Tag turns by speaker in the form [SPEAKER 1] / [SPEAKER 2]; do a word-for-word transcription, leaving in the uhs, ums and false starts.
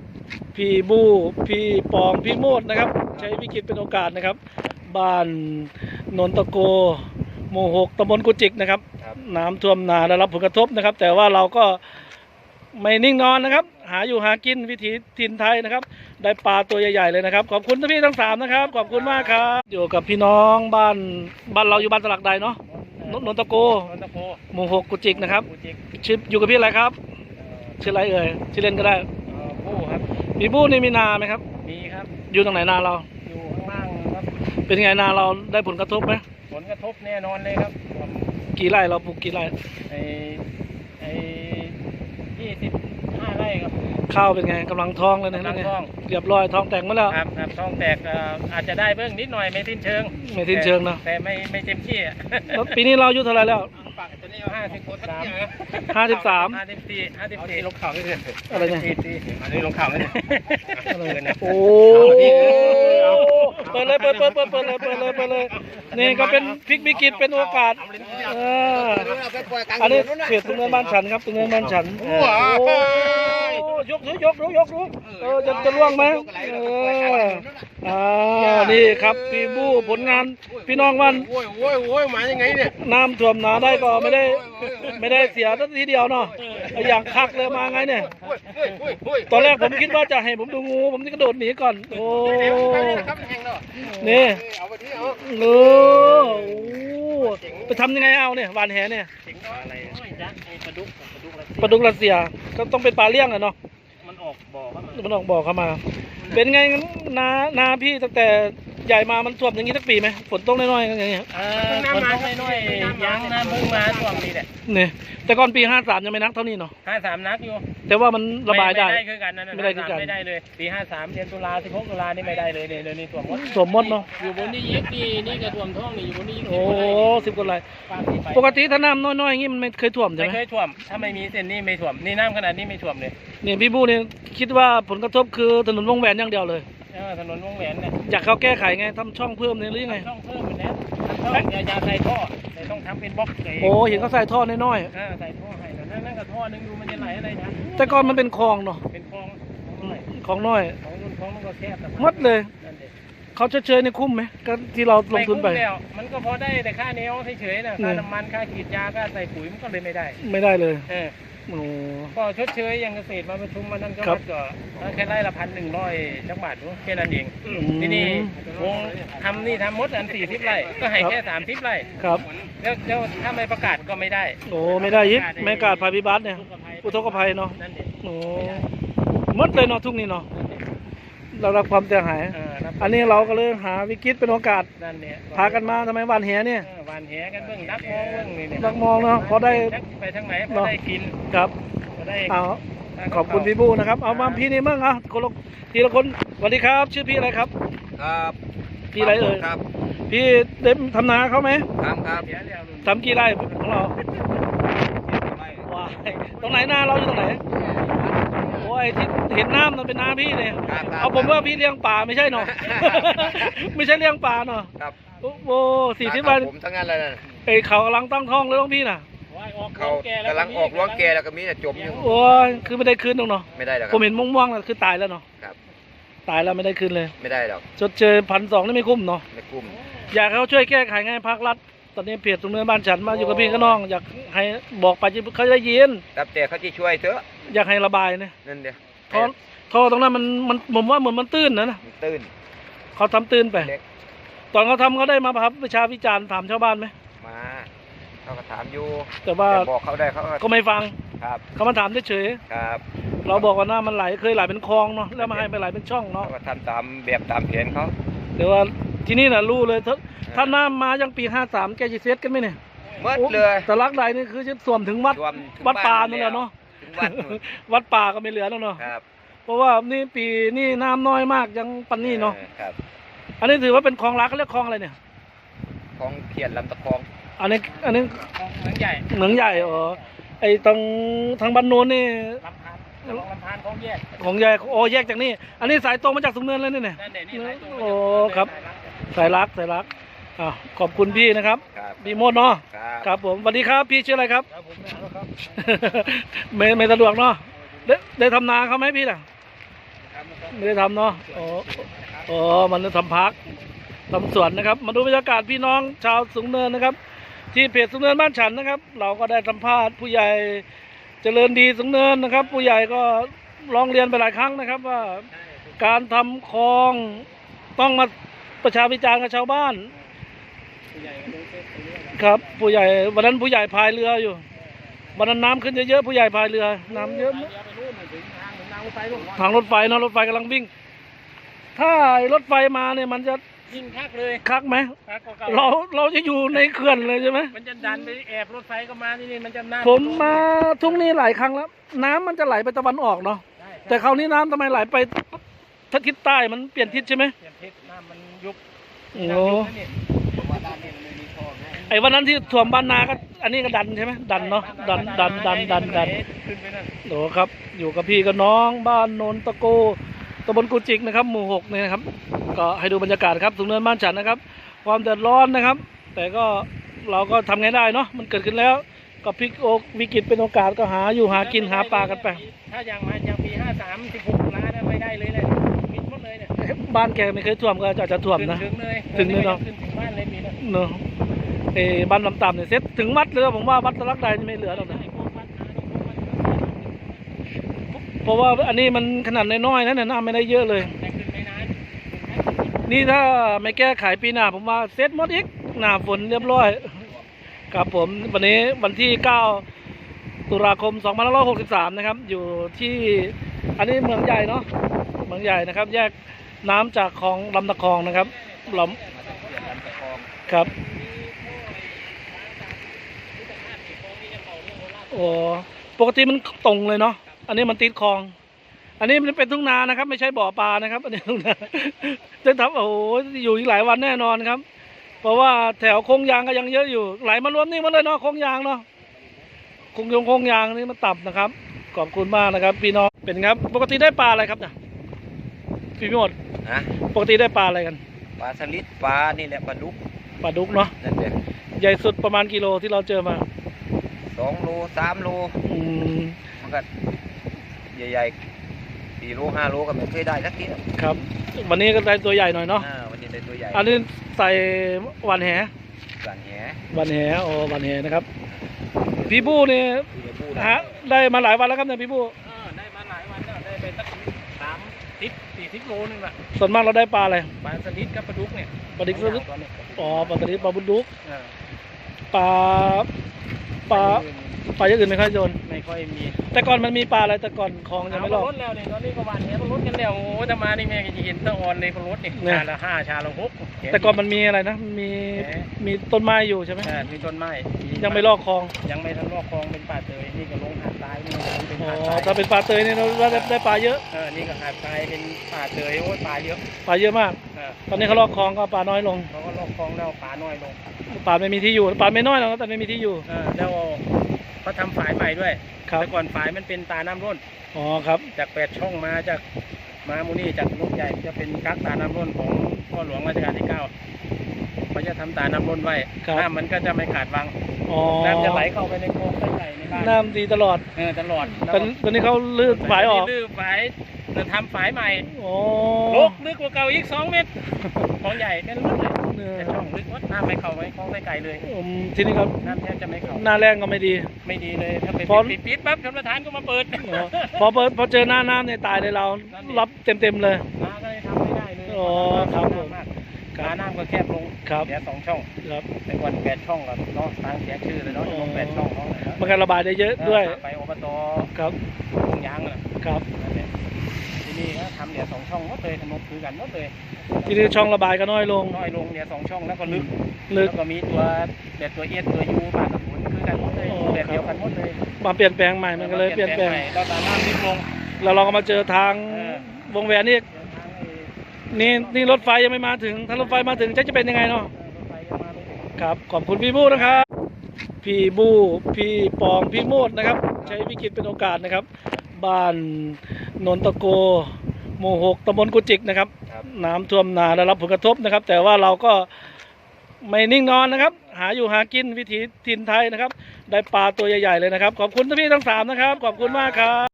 [SPEAKER 1] พี่บูพี่ปองพี่โมดนะครับใช้วิกฤตเป็นโอกาสนะครับบ้านนนตะโกหมู่หกตำบลกุจิกนะครับน้ำท่วมนาได้รับผลกระทบนะครับแต่ว่าเราก็ไม่นิ่งนอนนะครับหาอยู่หากินวิถีถิ่นไทยนะครับได้ปลาตัวใหญ่ๆเลยนะครับขอบคุณพี่ทั้งสามนะครับขอบคุณมากครับอยู่กับพี่น้องบ้านบ้านเราอยู่บ้านสลักใดเนาะนนตะโกหมู่หกกุจิกนะครับชื่ออยู่กับพี่อะไรครับชื่ออะไรเอ่ยชื่อเล่นก็ได้
[SPEAKER 2] บู้ครับ
[SPEAKER 1] พี่บู้นี่มีนาไหมครับ
[SPEAKER 2] มีครับ
[SPEAKER 1] อยู่ตรงไหนนาเรา
[SPEAKER 2] อยู่ข้างล่างครับ
[SPEAKER 1] เป็นไงนาเราได้ผลกระทบไหม
[SPEAKER 2] ผลกระทบแน่นอนเลยครับ
[SPEAKER 1] กี่ไร่เราปลูกกี่ไร่
[SPEAKER 2] ไอ้ไอ้ยี่สิบห้าไร่ครับ
[SPEAKER 1] ข้าวเป็นไงกำลังท้องเลยนะ
[SPEAKER 2] กำลังท้อง
[SPEAKER 1] เรียบร้อยท้องแตกมาแล้ว
[SPEAKER 2] ครับครับท้องแตกอาจจะได้เบื้องนิดหน่อยไม่ทิ้นเชิง
[SPEAKER 1] ไม่ทิ้นเชิงนะ
[SPEAKER 2] แต่ไม่ไม่เต็มที่
[SPEAKER 1] แล้วปีนี้เราอายุเท่าไรแล้ว
[SPEAKER 2] ห้าสิบสาม
[SPEAKER 1] ห้าสิบสาม
[SPEAKER 2] ห้าสิบสี่ห้าสิบสี่ลงข่าวไม่เกิน
[SPEAKER 1] อะไรเนี่ย
[SPEAKER 2] อันนี้ลงข่าวไม่เกิน
[SPEAKER 1] โอ้เปิดเลยเปิดเปิดเปิดเปิดเลยเปิดเลยเปิดเลยนี่ก็เป็นพลิกวิกฤตเป็นโอกาสอันนี้เขตตรงเนินบ้านฉันครับตรงเนินบ้านฉันยกยกรู้ยกรู้เออจะจะล่วงไหมเอออ่านี่ครับพี่บู้ผลงานพี่น้องวัน
[SPEAKER 2] โอ้ยโอ้ยโอ้ยมายังไงเนี่ย
[SPEAKER 1] น้ำท่วมนาได้ก็ไม่ได้ไม่ได้เสียทีเดียวเนาะอย่างคักเลยมาไงเนี่ยตอนแรกผมคิดว่าจะให้ผมดูงูผมจะกระโดดหนีก่อนโอ้นี่เออไปทำยังไงเอาเนี่ยวานแหเนี่ยปลาดุกรัสเซียก็ต้องเป็นปลาเลี้ยงอะเนาะ
[SPEAKER 2] มันออกบ่อเข้ามา
[SPEAKER 1] มันออกบ่อเข้ามาเป็นไงนานาพี่ตั้งแต่ใหญ่มามันท่วมอย่างนี้สักปีไหมฝนตกน้อยๆอย่างเงี้ย
[SPEAKER 2] เออฝนตกน้อยๆยังน้ำพึ่งมาท่วมนี่แหละ
[SPEAKER 1] เนี่ยแต่ก่อนปีห้าสามยังไม่นักเท่านี้เนาะ
[SPEAKER 2] ห้าสามนักอยู่
[SPEAKER 1] แต่ว่ามันระบายได้
[SPEAKER 2] ไม่ได้คือกันนั่นไม่ได้คือกันไม่ได้เลยปีห้าสามเดือนตุลาสิบหกตุลานี่ไม่ได้เลยเนี่ยเดือนนี้ท่วมหมด
[SPEAKER 1] ท่วมหมดเนาะ
[SPEAKER 2] อยู่บนนี้ยิกนี่นี่ก็ท่วมท้องนี่อยู่บนนี้
[SPEAKER 1] โอ้สิบกว่าไร่ปกติถ้าน้ำน้อยๆอย่างนี้มันไม่เคยท่วมใช่ไหม
[SPEAKER 2] ไม่เคยท่วมถ้าไม่มีเส้นนี้ไม่ท่วมนี่น้ำขนาดนี้ไม่ท่วมเลย
[SPEAKER 1] เนี่ยพี่บู้เนี่ยคิดว่าผลกระทบคือถนนวงแหวนอย่างเดียวเลย
[SPEAKER 2] ถนนวงแหวนเนี่ย
[SPEAKER 1] อยากเขาแก้ไขไงทำช่องเพิ่มเนี่ยหรือยังไง
[SPEAKER 2] ช่องเพิ่มเหมือนนี้ช่องอย่าใส่ท่อแต่ต้องทำเป็นบล็อกเลย
[SPEAKER 1] โอ้เห็นเขาใส่ท่อน้อย
[SPEAKER 2] ๆใส่ท่อให้นั่นนั่นกับท่อนึงดูมันจะไหลอะไรนะ
[SPEAKER 1] แต่ก่อนมันเป็นคลองเนาะ
[SPEAKER 2] เป็นคลอง
[SPEAKER 1] คลองน้อย
[SPEAKER 2] ของรุ่นคลองมันก็แคบ
[SPEAKER 1] มัดเลยเขาเฉยๆในคุ้มไหมก็ที่เราลงทุนไป
[SPEAKER 2] มันก็พอได้แต่ค่าเนี้ยเฉยๆนะค่าน้ำมันค่าขีดยาค่าใส่ปุ๋ยมันก็เลยไม่ได้
[SPEAKER 1] ไม่ได้เลย
[SPEAKER 2] โอ้ก็ชดเชยยังเกษตรมาประชุมมานั่นก็ก็แค่ไร่ละพันหนึ่งร้อยจังบาทรู้แค่นั้นเองที่นี่วงทำนี่ทำมดอันสี่สิบไร่ก็ให้แค่สามสิบไร่
[SPEAKER 1] ครับ
[SPEAKER 2] แล้วแล้วถ้าไม่ประกาศก็ไม่ได้
[SPEAKER 1] โอ้ไม่ได้ยิบไม่ประกาศภัยพิบัติเนี่ยอุทกภัยเนาะโอ้มดเลยเนาะทุกนี้เนาะเรารับความเสียหายอันนี้เราก็เลยหาวิกฤตเป็นโอกาสพากันมาทำไมวันแหเนี่ย
[SPEAKER 2] วันแหกันเบื้องนักมองเบื้องนี่
[SPEAKER 1] นักมองเนาะพอได้
[SPEAKER 2] ไปทางไหนพอได้กิน
[SPEAKER 1] ครับเอาขอบคุณพี่บูนะครับเอามาพี่นี่มั่งอ่ะคนละทีละคนสวัสดีครับชื่อพี่อะไรครับ
[SPEAKER 3] ครับ
[SPEAKER 1] พี่อะไรเอ่ย
[SPEAKER 3] ครับ
[SPEAKER 1] พี่เด็มทำนาเขาไหม
[SPEAKER 3] ทำครับ
[SPEAKER 1] ทำกี่ไร่ของเราว้าตรงไหนนาเราอยู่ตรงไหนโอ้ยที่เห็นน้ำมันเป็นน้ำพี่เนี่ยเอาผมว่าพี่เลี้ยงปลาไม่ใช่เนาะไม่ใช่เลี้ยงปลาเนาะ
[SPEAKER 3] ครับ
[SPEAKER 1] โอ้สี่สิบวัน
[SPEAKER 3] ผมทั้งนั้นเลยนะ
[SPEAKER 1] เอ้เขากำลังตั้งท้องเลยต้องพี่น่ะ
[SPEAKER 3] เขากำลังออกล้วงแกแล้วก็มีแต่จมอยู่
[SPEAKER 1] โอ้ยคือไม่ได้คืนตรงเนาะ
[SPEAKER 3] ไม่ได้หรอก
[SPEAKER 1] ผมเห็นม่วงๆแล้วคือตายแล้วเนาะ
[SPEAKER 3] ครับ
[SPEAKER 1] ตายแล้วไม่ได้คืนเลย
[SPEAKER 3] ไม่ได้หรอก
[SPEAKER 1] ชดเชยพันสองนี่ไม่คุ้มเนาะ
[SPEAKER 3] ไม่คุ้ม
[SPEAKER 1] อยากเขาช่วยแก้ไขไงภาครัฐตอนนี้เพจตรงเนื้อบ้านฉันมาอยู่กับพี่กับน้องอยากให้บอกไปเขาได้ยิน
[SPEAKER 3] แต่เขาจะช่วยเถอะ
[SPEAKER 1] อยากให้ระบายเนี่ย
[SPEAKER 3] นั่นเดียว
[SPEAKER 1] ท่อท่อตรงนั้นมันมันผมว่าเหมือนมันตื้นนะนะ
[SPEAKER 3] ตื้น
[SPEAKER 1] เขาทำตื้นไปตอนเขาทำเขาได้มาครับประชาวิจารณ์ถามชาวบ้านไหม
[SPEAKER 3] มาเขาก็ถามอยู่
[SPEAKER 1] แต่ว่า
[SPEAKER 3] บอกเขาได้เขา
[SPEAKER 1] ก็ไม่ฟัง
[SPEAKER 3] ครับ
[SPEAKER 1] เขามาถามเฉย
[SPEAKER 3] ๆครับ
[SPEAKER 1] เราบอกว่าน้ามันไหลเคยไหลเป็นคลองเนาะแล้วมาให้ไปไหลเป็นช่องเนาะ
[SPEAKER 3] ก็ทำตามแบบตามแผนเขา
[SPEAKER 1] เดี๋ยวว่าที่นี่น่ะรู้เลยถ้าน้ามายังปีห้าสามแกจะเซตกันไหมเนี่ย
[SPEAKER 3] เมื่อเลย
[SPEAKER 1] แต่ลักใดนี่คือจะสวมถึงวัดวัดป่านั่นแหละเนาะวัดป่าก็ไม่เหลือแล้วเนาะเพราะว่านี่ปีนี่น้ำน้อยมากยังปันนี่เนาะอันนี้ถือว่าเป็นคลองรักเขาเรียกคลองอะไรเนี่ย
[SPEAKER 3] คลองเขียนลำตะคอง
[SPEAKER 1] อันนี้อันนี้
[SPEAKER 2] เหมืองใหญ่
[SPEAKER 1] เหมืองใหญ่อ๋อไอ้ตรงทางบ้านโน้นนี่
[SPEAKER 2] ลำพานลำพานของแยก
[SPEAKER 1] ของใหญ่โอ้แยกจากนี่อันนี้สายตรงมาจากสุนเนินเลยนี่เนี่ยโอ้ครับสายรักสายรักอ่าขอบคุณพี่นะครับพี่โมดเนาะครับผมสวัสดีครับพี่ชื่ออะไรครับไม่ไม่สะดวกเนาะได้ได้ทำนาเขาไหมพี่ล่ะไม่ได้ทำเนาะอ๋ออ๋อมันทำพักทำสวนนะครับ มาดูบรรยากาศพี่น้องชาวสูงเนินนะครับ ที่เพจสูงเนินบ้านฉันนะครับ เราก็ได้สัมภาษณ์ผู้ใหญ่เจริญดีสูงเนินนะครับ ผู้ใหญ่ก็ร้องเรียนไปหลายครั้งนะครับว่าการทำคลองต้องมาประชาพิจารณ์กับชาวบ้านครับผู้ใหญ่วันนั้นผู้ใหญ่พายเรืออยู่วันนั้นน้ำขึ้นเยอะๆผู้ใหญ่พายเรือน้ำเยอะทางรถไฟเนาะรถไฟกำลังวิ่ง ถ้ารถไฟมาเนี่ยมันจะ
[SPEAKER 2] ยิ่งคักเลย
[SPEAKER 1] คักไหม
[SPEAKER 2] คักกว่าเก่า
[SPEAKER 1] เราเราจะอยู่ในเขื่อนเลยใช่ไหม
[SPEAKER 2] มันจะดันไปแอบรถไฟก็มานี่นี่มันจะน่า
[SPEAKER 1] ผมมาทุ่งนี้หลายครั้งแล้ว น้ำมันจะไหลไปตะวันออกเนาะ
[SPEAKER 2] ใช่
[SPEAKER 1] แต่คราวนี้น้ำทำไมไหลไปทิศใต้มันเปลี่ยนทิศใช่ไหม
[SPEAKER 2] เปลี่ยนทิศน้ำมันยุบ
[SPEAKER 1] โอ้
[SPEAKER 2] น้ำยุบนะนี่ผมว่าด้านนี้มันไม่มีท่อไง
[SPEAKER 1] ไอ้วันนั้นที่ท่วมบ้านนาก็อันนี้ก็ดันใช่ไหมดันเนาะดันดันดันดันดัน
[SPEAKER 2] ขึ้นไปนั่น
[SPEAKER 1] โหครับ อยู่กับพี่กับน้องบ้านโนนตะโกตำบลกุจิกนะครับ หมู่หกเนี่ยนะครับ ก็ให้ดูบรรยากาศครับสูงเนินบ้านฉันนะครับ ความเดือดร้อนนะครับ แต่ก็เราก็ทำไงได้เนาะมันเกิดขึ้นแล้ว ก็พลิกโอกวิกฤตเป็นโอกาสก็หาอยู่หากินหาปลากันไป
[SPEAKER 2] ถ้าอย่างมาอย่างปีห้าสามสิบหกล้านไม่ได้เลยเลยมิดหมดเลยเนี่ย
[SPEAKER 1] บ้านแกไม่เคยท่วมก็อาจจะท่วมนะ
[SPEAKER 2] ถึงเลย
[SPEAKER 1] ถึงเลยเนอะ
[SPEAKER 2] ขึ้นถึงบ้านเลยมีนะ
[SPEAKER 1] เนอะเออบ้านลำต่ำเนี่ยเซ็ตถึงวัดเลยนะผมว่าวัดตะลักใดนี่ไม่เหลือหรอกนะเพราะว่าอันนี้มันขนาดน้อยๆนะเนี่ยน้ำไม่ได้เยอะเลย
[SPEAKER 2] แต่ขึ้นไม่นาน
[SPEAKER 1] นี่ถ้าไม่แก้ไขปีหน้าผมว่าเซ็ตหมดอีกหน้าฝนเรียบร้อยครับผมวันนี้วันที่เก้าตุลาคมสองพันห้าร้อยหกสิบสามนะครับอยู่ที่อันนี้เมืองใหญ่เนาะเมืองใหญ่นะครับ แยกน้ำจากคลองลำตะคองนะครับลำครับโอ้ปกติมันตรงเลยเนาะอันนี้มันติดคลอง อันนี้มันเป็นทุ่งนานะครับไม่ใช่บ่อปลานะครับอันนี้ทุ่งนาจะทำโอ้โหอยู่อีกหลายวันแน่นอนครับ เพราะว่าแถวโค้งยางก็ยังเยอะอยู่ไหลมารวมนี่หมาเลยเนาะโค้งยางเนาะโค้งยงโค้งยางนี่มันต่ำนะครับขอบคุณมากนะครับพี่น้องเป็นครับปกติได้ปลาอะไรครับเนี่ยพี่พิมด
[SPEAKER 3] นะ
[SPEAKER 1] ปกติได้ปลาอะไรกัน
[SPEAKER 3] ปลาสลิดปลานี่แหละปลาดุก
[SPEAKER 1] ปลาดุกเนาะ
[SPEAKER 3] นั่นแหละ
[SPEAKER 1] ใหญ่สุดประมาณกิโลที่เราเจอมา
[SPEAKER 3] สองโลสามโล
[SPEAKER 1] อืม
[SPEAKER 3] มันก็ใหญ่ๆสี่โลห้าโลก็ไม่เคยได้สักที
[SPEAKER 1] ครับ วันนี้ก็ได้ตัวใหญ่หน่อยเนาะ
[SPEAKER 3] อ่าวันนี้ได้ตัวใหญ่
[SPEAKER 1] อันนี้ใส่หวานแห
[SPEAKER 3] สันแห
[SPEAKER 1] หวานแหโอ้หวานแหนะครับพี่บู้นี่
[SPEAKER 3] ตัวผู้
[SPEAKER 1] ฮะได้มาหลายวันแล้วครับเนี่ยพี่บู้
[SPEAKER 2] เออได้มาหลายวันแล้วได้ไปสักสามสิบสี่สิบโลนึงละ
[SPEAKER 1] ส่วนมากเราได้ปลาอะไร
[SPEAKER 2] ปลาสลิดกับปลาดุกเนี่ย
[SPEAKER 1] ปลาดิกสลิด
[SPEAKER 2] ตอนนี้
[SPEAKER 1] อ๋อปลาสลิดปลาบุญดุก
[SPEAKER 2] เออ
[SPEAKER 1] ปลาปลาปลาอย่างอื่นไม่ค่อยโยน
[SPEAKER 2] ไม่ค่อยมี
[SPEAKER 1] แต่ก่อนมันมีปลาอะไรแต่ก่อนคลองยังไม่รอบ
[SPEAKER 2] รถแล้วเนี่ยตอนนี้ก็วันนี้รถกันแล้วโอ้ยถ้ามานี่แม่ก็จะเห็นตะออนเลยรถนี่
[SPEAKER 1] เนี่ย
[SPEAKER 2] ชาละห้าชาละหก
[SPEAKER 1] แต่ก่อนมันมีอะไรนะมีมีต้นไม้อยู่ใช่ไหม
[SPEAKER 2] เออมีต้นไม้
[SPEAKER 1] ยังไม่ลอกคลอง
[SPEAKER 2] ยังไม่ทันลอกคลองเป็นป่าเตยนี่ก็ลงหาดทรายนี่ก็เป็น
[SPEAKER 1] อ๋อ
[SPEAKER 2] หาดทราย
[SPEAKER 1] ถ้าเป็นปลาเตยเนี่ยเราได้ได้ปลาเยอะ
[SPEAKER 2] เออนี่ก็หาดทรายเป็นป่าเตยโอ้ยปลาเยอะ
[SPEAKER 1] ปลาเยอะมาก
[SPEAKER 2] เออ
[SPEAKER 1] ตอนนี้เขาลอกคลองก็ปลาน้อยลง
[SPEAKER 2] เขาก็ลอกคลองแล้วปลาน้อยลง
[SPEAKER 1] ปลาไม่มีที่อยู่ปลาไม่น้อยหรอกแต่ไม่มีที่อยู่
[SPEAKER 2] เออแล้วเขาทำฝายใหม่ด้วย
[SPEAKER 1] ครับ
[SPEAKER 2] แต่ก่อนฝายมันเป็นตาน้ำร่น
[SPEAKER 1] อ๋อครับ
[SPEAKER 2] จากแปดช่องมาจากมามูนี่จากลูกใหญ่จะเป็นกักตาน้ำร่นของพ่อหลวงรัชกาลที่เก้าเขาจะทำตาน้ำร่นไว้
[SPEAKER 1] ครับ
[SPEAKER 2] น้ำมันก็จะไม่ขาดวัง
[SPEAKER 1] อ๋อ
[SPEAKER 2] น้ำจะไหลเข้าไปในโครงใหญ่ในบ้าน
[SPEAKER 1] น้ำดีตลอด
[SPEAKER 2] เออตลอด
[SPEAKER 1] ตอนตอนนี้เขาลื้อฝายออก
[SPEAKER 2] ลื้อฝายจะทำฝายใหม่
[SPEAKER 1] โอ้
[SPEAKER 2] ลกลึกกว่าเก่าอีกสองเมตรของใหญ่เป็นลึกเลย
[SPEAKER 1] เออ
[SPEAKER 2] แต่ช่องลึกวัดน้ำไม่เข้าไว้คลองไกลๆเลย
[SPEAKER 1] อืมทีนี้ครับ
[SPEAKER 2] น้ำแทบจะไม่เข้า
[SPEAKER 1] หน้าแรงก็ไม่ดี
[SPEAKER 2] ไม่ดีเลยถ้าเป็น
[SPEAKER 1] พอ
[SPEAKER 2] ปิดปิดปั๊บชนประธานก็มาเปิด
[SPEAKER 1] อ๋อพอเปิดพอเจอหน้าน้ำเนี่ยตายเลยเรา รับเต็มเต็มๆเลย
[SPEAKER 2] น้ำก็เลยทำไม่ได้เลย
[SPEAKER 1] อ๋อครับผม
[SPEAKER 2] มาก
[SPEAKER 1] ครับ
[SPEAKER 2] น้ำน้ำก็แคบลง
[SPEAKER 1] ครับ
[SPEAKER 2] เหลือสองช่อง
[SPEAKER 1] ครับ
[SPEAKER 2] ในวันแปดช่องกับเนาะทางเสียชื่อเลยเนาะจะลงแปดช่องเนาะ
[SPEAKER 1] มันการระบายได้เยอะด้วย
[SPEAKER 2] ไปอบต
[SPEAKER 1] ครับ
[SPEAKER 2] วงยางน่ะ
[SPEAKER 1] ครับ
[SPEAKER 2] นั่นแหละที่นี่ก็ทำเหลือสองช่องหมดเลยถนนคือกันหมดเลย
[SPEAKER 1] ทีนี้ช่องระบายก็น้อยลง
[SPEAKER 2] น้อยลงเหลือสองช่องแล้วก็ลึก
[SPEAKER 1] ลึก
[SPEAKER 2] แล้วก็มีตัวแบบตัวเอสตัวยูปากกระสุนคือกันหมดเลย
[SPEAKER 1] อ๋อ
[SPEAKER 2] แบบเดียวกันหมดเลย
[SPEAKER 1] มาเปลี่ยนแปลงใหม่มันก็เลยเปลี่ยนแปลง
[SPEAKER 2] ใหม่เราสามารถลิบลง
[SPEAKER 1] แล้วเราก็มาเจอทาง
[SPEAKER 2] เออ
[SPEAKER 1] วงแหวนนี่
[SPEAKER 2] เดินทางไอ้
[SPEAKER 1] นี่นี่รถไฟยังไม่มาถึงถ้ารถไฟมาถึงจะจะเป็นยังไงเนาะ
[SPEAKER 2] เออรถไฟยังมาไม่ถึง
[SPEAKER 1] ครับขอบคุณพี่บู้นะครับ พี่บู้พี่ปองพี่โมดนะครับ ใช้วิกฤตเป็นโอกาสนะครับ บ้านนนตะโกหมู่หกตำบลกุจิกนะครับ
[SPEAKER 3] ครับ
[SPEAKER 1] น้ำท่วมนาได้รับผลกระทบนะครับ แต่ว่าเราก็ไม่นิ่งนอนนะครับ หาอยู่หากินวิถีถิ่นไทยนะครับ ได้ปลาตัวใหญ่ๆเลยนะครับ ขอบคุณท่านพี่ทั้งสามนะครับ ขอบคุณมากครับ